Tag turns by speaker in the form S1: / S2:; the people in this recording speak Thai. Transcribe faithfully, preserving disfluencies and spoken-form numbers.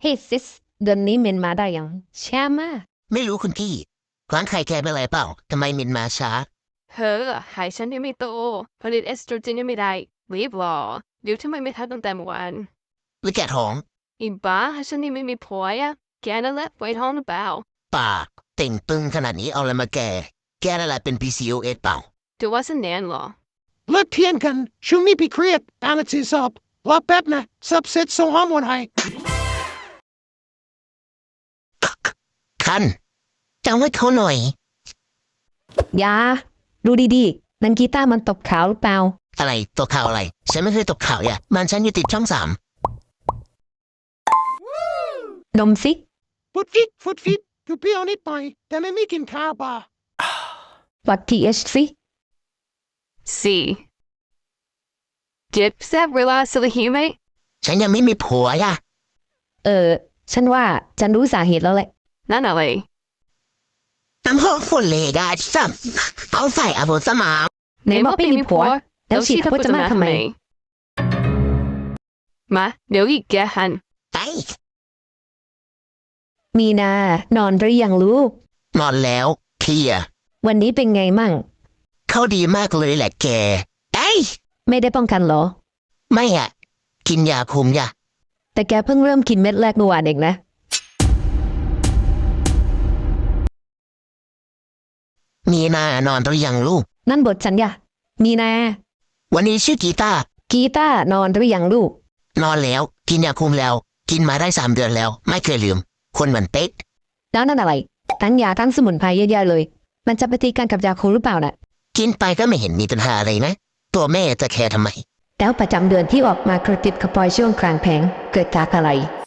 S1: ฮ้ยซิสเดือนนี้เมนมาได้ยังช้ามาก
S2: ไม่รู้คุณพี่ร้านไข่แกเป็นอะไรเปล่าทำไมมินมาช้า
S3: เฮ้อหายฉันยังไม่โตผลิตเอสโตรเจนยังไม่ได้รีบรอเดี๋ยวทำไมไม่ทันตั้งแต่เมื่อวาน
S2: หรือแกท้อง
S3: อีบ้าฉันยังไม่มีผัวอ่ะแกนั่นแหละไว้ท้องหรือเปล่า
S2: ปากเต่งตึงขนาดนี้เอาอะไรมาแกแกนั่นแหละเป็น พี ซี โอ เอส เปล่า
S3: ถือว่าฉันแน่นเหรอ
S4: เลิกเทียนกันช่วงนี้พี่เครียดอ่านหนังสือสอบรอแป๊บนะสับเสร็จส่งฮอร์โมนให้
S2: คันจำไว้เขาหน่อย
S1: อย่าดูดีๆนันกีตาร์มันตบขาวหรือเปล่า
S2: อะไรตกข่าวอะไรฉันไม่เคยตกข่าวอย่ามันฉันอยู่ติดช่องสาม
S1: นมซิ
S4: ฟุดฟิตฟุดฟิตอยู่เปรี้ยวนิดหน่อยแต่ไม่มีกินข้าวป่ะ
S1: วัดทีเอชซิ
S3: สี่จิบแซบเวลาสิลหิวไหม
S2: ฉันยังไม่มีผัวย่ะ
S1: เออฉันว่าฉันรู้สาเหตุแล้วแหละ
S3: นั่นอะไร
S2: น้ำหอมฝุ่นเลยได้ซ้ำเอาใส่อาบุสมา
S1: ไหนบอกไม่มีผัวแล้วฉีดพจมาทำไม
S3: มาเดี๋ยวอีกแกหัน
S2: ไป
S1: มีนานอนหรือยังลูก
S2: นอนแล้วเคลีย
S1: วันนี้เป็นไงมั่ง
S2: เขาดีมากเลยแหละแกไอ้
S1: ไม่ได้ป้องกันเหรอ
S2: ไม่อะกินยาคุมยา
S1: แต่แกเพิ่งเริ่มกินเม็ดแรกเมื่อวานเองนะ
S2: มีนานอนหรือยังลูก
S1: นั่นบทฉันยะมีนา
S2: วันนี้ชื่อกีตาร์
S1: กีตาร์นอนหรือยังลูก
S2: นอนแล้วกินยาคุมแล้วกินมาได้สามเดือนแล้วไม่เคยลืมคนเหมือนเป๊ะ
S1: แล้วนั่นอะไรทั้งยาทั้งสมุนไพรเยอะๆเลยมันจะไปตีกันกับยาคุมหรือเปล่าน่ะ
S2: กินไปก็ไม่เห็นมีปัญหาอะไรนะตัวแม่จะแคร์ทำไม
S1: แล้วประจำเดือนที่ออกมากระติบกระปอยช่วงกลางแผงเกิดจากอะไร